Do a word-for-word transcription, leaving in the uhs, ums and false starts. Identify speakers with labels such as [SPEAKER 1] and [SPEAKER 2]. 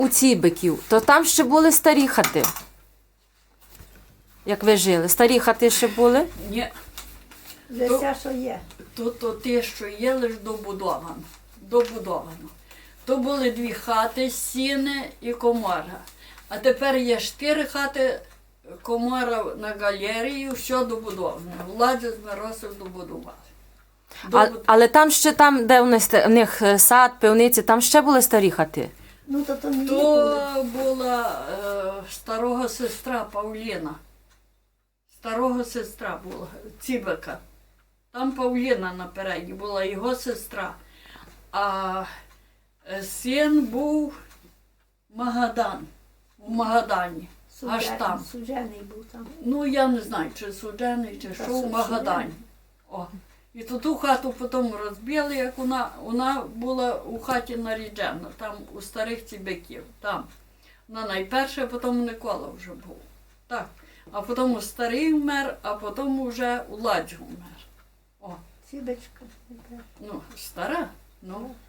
[SPEAKER 1] у Цібиків, то там ще були старі хати. Як ви жили? Старі хати ще були?
[SPEAKER 2] Ні,
[SPEAKER 3] Вже
[SPEAKER 2] То-
[SPEAKER 3] все, що є.
[SPEAKER 2] то, то те, що є, лише добудовано. Добудовано. То були дві хати, сіни і комора. А тепер є чотири хати, комора на галерею, все добудоване. Влади з Миросів добудували.
[SPEAKER 1] А,
[SPEAKER 2] Добуд-
[SPEAKER 1] але там ще там, де у них, ста- у них е, сад, пивниці, там ще були старі хати.
[SPEAKER 3] Ну, то то не є були.
[SPEAKER 2] То була е, старого сестра Павліна. Старого сестра була, Цібика. Там Павліна напереді була його сестра. А е, син був Магадан, у Магадані. Аж
[SPEAKER 3] Суджений-
[SPEAKER 2] там.
[SPEAKER 3] Суджений був там.
[SPEAKER 2] Ну, я не знаю, чи суджений, чи
[SPEAKER 3] Та
[SPEAKER 2] що,
[SPEAKER 3] су-
[SPEAKER 2] в Магадані.
[SPEAKER 3] суджений.
[SPEAKER 2] О. І то ту хату потім розбили, як вона, вона була у хаті наріджена, там у старих цібяків. Там. Вона найперша, а потім Микола вже був. Так. А потім старий вмер, а потім вже Уладжу вмер. О,
[SPEAKER 3] Цібочка.
[SPEAKER 2] ну, стара. Ну,